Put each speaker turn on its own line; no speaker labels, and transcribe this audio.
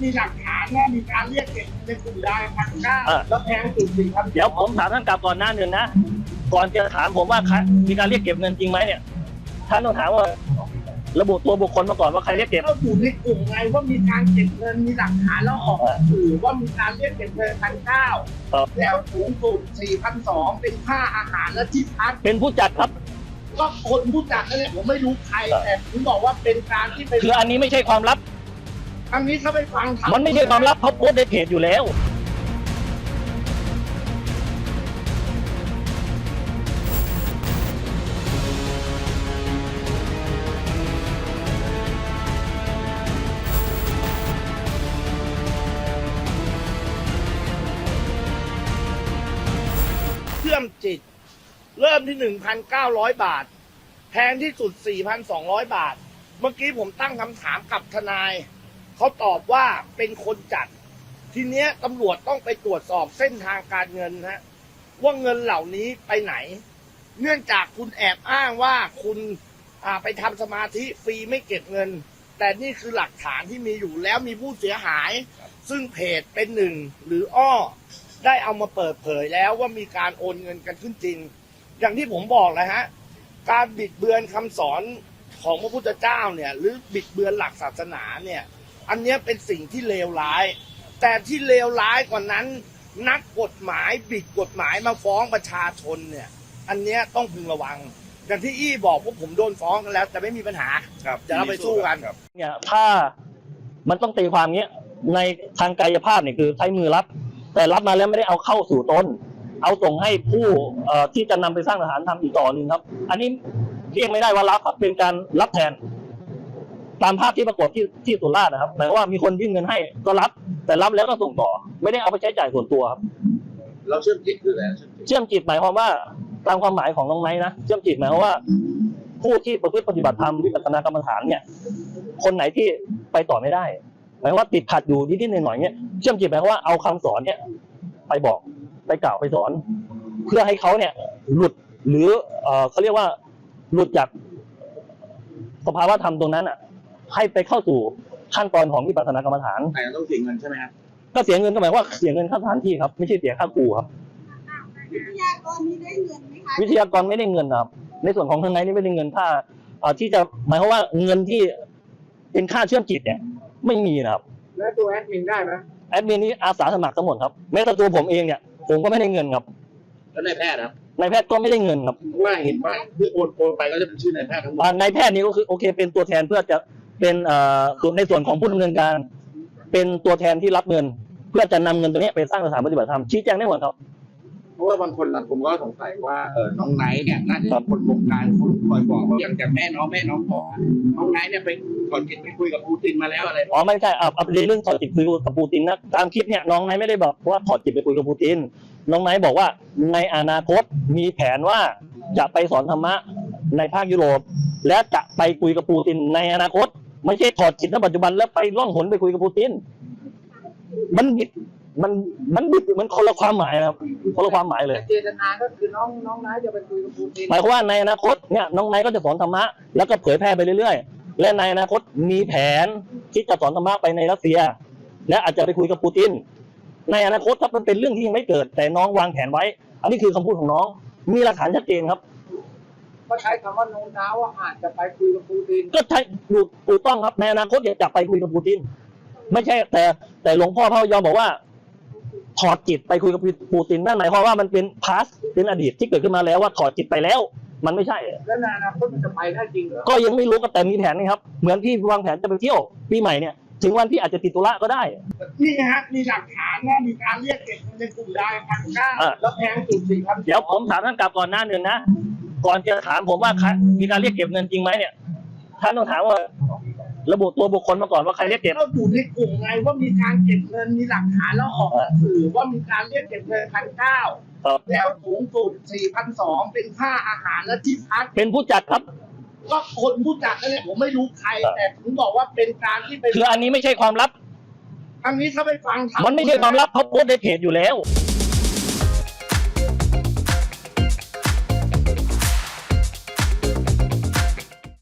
มีหลักฐานว่ามีการเรียกเก็บในกลุ่มได้1,900แล้วแพงสุด4,200
เดี๋ยวผมถามท่านกลับก่อนหน้าหนึ่งนะก่อนจะถามผมว่ามีการเรียกเก็บเงินจริงไหมเนี่ยท่านต้องถามว่าระบุตัวบุคคลมาก่อนว่าใครเรียกเก็บ
ก็อยู่ในกลุ่มไงว่ามีการเก็บเงินมีหลักฐานแล้วออกสื่อว่ามีการเรียกเก็บเงิน1,900แล้วสูงสุด4,200เป็นค่าอาหารและที่พัก
เป็นผู้จัดครับ
ก็คนผู้จัดนั่นแหละผมไม่รู้ใครแต่ผมบอกว่าเป็นการที่เป็น
คืออันนี้ไม่ใช่ความลับ
อันนี้เขาไปฟัง
มันไม่ใช่ความลับเขาโพสต์ในเพจอยู่แล้ว
เชื่อมจิตเริ่มที่ 1,900 บาทแพงที่สุด 4,200 บาทเมื่อกี้ผมตั้งคำถามกับทนายเขาตอบว่าเป็นคนจัดทีเนี้ยตำรวจต้องไปตรวจสอบเส้นทางการเงินฮะว่าเงินเหล่านี้ไปไหนเนื่องจากคุณแอบอ้างว่าคุณไปทำสมาธิฟรีไม่เก็บเงินแต่นี่คือหลักฐานที่มีอยู่แล้วมีผู้เสียหายซึ่งเพจเป็นหนึ่งหรืออ้อได้เอามาเปิดเผยแล้วว่ามีการโอนเงินกันขึ้นจริงอย่างที่ผมบอกเลยฮะการบิดเบือนคำสอนของพระพุทธเจ้าเนี่ยหรือบิดเบือนหลักศาสนาเนี่ยอันนี้เป็นสิ่งที่เลวร้ายแต่ที่เลวร้ายกว่านั้นนักกฎหมายบิดกฎหมายมาฟ้องประชาชนเนี่ยอันนี้ต้องพึงระวังอย่างที่อี้บอกว่าผมโดนฟ้องกันแล้วแต่ไม่มีปัญหาจะเราไปสู้กัน
เนี่ยถ้ามันต้องตีความเงี้ยในทางกายภาพเนี่ยคือใช้มือรับแต่รับมาแล้วไม่ได้เอาเข้าสู่ตนเอาส่งให้ผู้ที่จะนำไปสร้างสถานทำอีกต่อหนึ่งครับอันนี้เรียกไม่ได้ว่ารับครับเป็นการรับแทนตามภาพที่ปรากฏที่สุราษฎร์นะครับหมายว่ามีคนยื่นเงินให้ก็รับแต่รับแล้วก็ส่งต่อไม่ได้เอาไปใช้จ่ายส่วนตัวครับ
เราเชื่อมจิตคืออะไร
เชื่อมจิตหมายความว่าตามความหมายของน้องไนท์นะเชื่อมจิตหมายความว่าผู้ที่ประพฤติปฏิบัติธรรมวิปัสสนากรรมฐานเนี่ยคนไหนที่ไปต่อไม่ได้หมายว่าติดขัดอยู่นิดๆหน่อยๆเนี่ยเชื่อมจิตหมายความว่าเอาคำสอนเนี่ยไปบอกไปกล่าวไปสอนเพื่อให้เขาเนี่ยหลุดหรือเขาเรียกว่าหลุดจากสภาวะธรรมตรงนั้นอ่ะให้ไปเข้าสู่ขั้นตอนของวิปัสสนากรรมฐาน
แต่ต้องเสียเงินใช่ไหมครับ
ก็เสียเงินก็หมายว่าเสียเงินค่าสถานที่ครับไม่ใช่เสียค่าครูครับ
วิทยากรนี่ได้เงินไหมคะ
วิทยากรไม่ได้เงินครับในส่วนของทางไหนนี่ไม่ได้เงินค่าที่จะหมายความว่าเงินที่เป็นค่าเชื่อมจิตเนี่ยไม่มีนะครับ
แล้วตัวแอดมินได้ไหม
แอดมินนี่อาสาสมัครทั้งหมดครับแม้แต่ตัวผมเองเนี่ยผมก็ไม่ได้เงินครับ
แล้วนายแพทย์ครับ
นายแพทย์ก็ไม่ได้เงินครับ
ว่าเห็นว่าที่โอนไปก็จะเป็นชื่อนายแพทย์ทั้งหมด
นายแพทย์นี่ก็คือโอเคเป็นตัวแทนเพื่อจะเป็นในส่วนของผู้ดำเนินการเป็นตัวแทนที่รับเงินเพื่อจะนำเงินตัวนี้ไปสร้างสถานปฏิบัติธรรมชี้แจงได้หมดครับ
เพราะว่าบางคนผมก็สงสัยว่าน้องไนท์เนี่ยน่าจะเป็นคนบงการคนคอยบอกอย่างแต่แม่น้องบอกน้องไนท์เนี่ยไปถอดจิตไปคุยกับปูตินมาแล้วอะไร
ไม่ใช่ประเด็นเรื่องถอดจิตคุยกับปูตินนะตามคลิปเนี่ยน้องไนท์ไม่ได้บอกว่าถอดจิตไปคุยกับปูตินน้องไนท์บอกว่าในอนาคตมีแผนว่าจะไปสอนธรรมะในภาคยุโรปและจะไปคุยกับปูตินในอนาคตไม่ใช่ถอดจิตณปัจจุบันแล้วไปล่องหนไปคุยกับปูตินมันคนละความหมายครับคนละความหมายเลย
เจตนาก็คือน้องไนท์จะไปคุยกับปูติน
หมายความว่าในอนาคตเนี่ยน้องไนท์ก็จะสอนธรรมะแล้วก็เผยแพร่ไปเรื่อยๆและในอนาคตมีแผนที่จะสอนธรรมะไปในรัสเซียและอาจจะไปคุยกับปูตินในอนาคตถ้ามันเป็นเรื่องที่ยังไม่เกิดแต่น้องวางแผนไว้อันนี้คือคำพูดของน้องมีหลักฐานชัดเจนครับ
ก็ใช้คำว่าโน้มน้าวว่าอาจจะไปคุยกับปูติน
ก็ใช่ถูกต้องครับในอนาคตจะไปคุยกับปูตินไม่ใช่แต่หลวงพ่อพระพยอมบอกว่าถอดจิตไปคุยกับปูตินนั่นหมายความว่ามันเป็นพาสเป็นอดีตที่เกิดขึ้นมาแล้วว่าถอดจิตไปแล้วมันไม่ใช่
แล้วในอนาคตมันจะไปได้จริงเหรอ
ก็ยังไม่รู้ก็แต่มีแผนนี่ครับเหมือนที่วางแผนจะไปเที่ยวปีใหม่เนี่ยถึงวันที่อาจจะติดธุระก็ได้
นี่ฮะมีหลักฐานว่ามีการเรียกเก็บเงินในกลุ่มได้1,900แล้วแพงสุด4,200
เดี๋ยวผมถามท่านกลับก่อนหน้าหนึ่งนะก่อนจะถามผมว่ามีการเรียกเก็บเงินจริงไหมเนี่ยท่านต้องถามว่าระบุตัวบุคคลมาก่อนว่าใครเรียกเก็บ
ก็อยู่ในกลุ่มไงว่ามีการเก็บเงินมีหลักฐานแล้วออกสื่อว่ามีการเรียกเก็บเงิน1,900แล้วสูงสุด4,200เป็นค่าอาหารและที่พัก
เป็นผู้จัดครับ
ก็คนผู้จัดนั่นแหละผมไม่รู้ใครแต่ผมบอกว่าเป็นการที่เป็น
คืออันนี้ไม่ใช่ความลับ
อันนี้ถ้าไปฟัง
มันไม่ใช่ความลับเขาโพสต์ในเพจอยู่แล้ว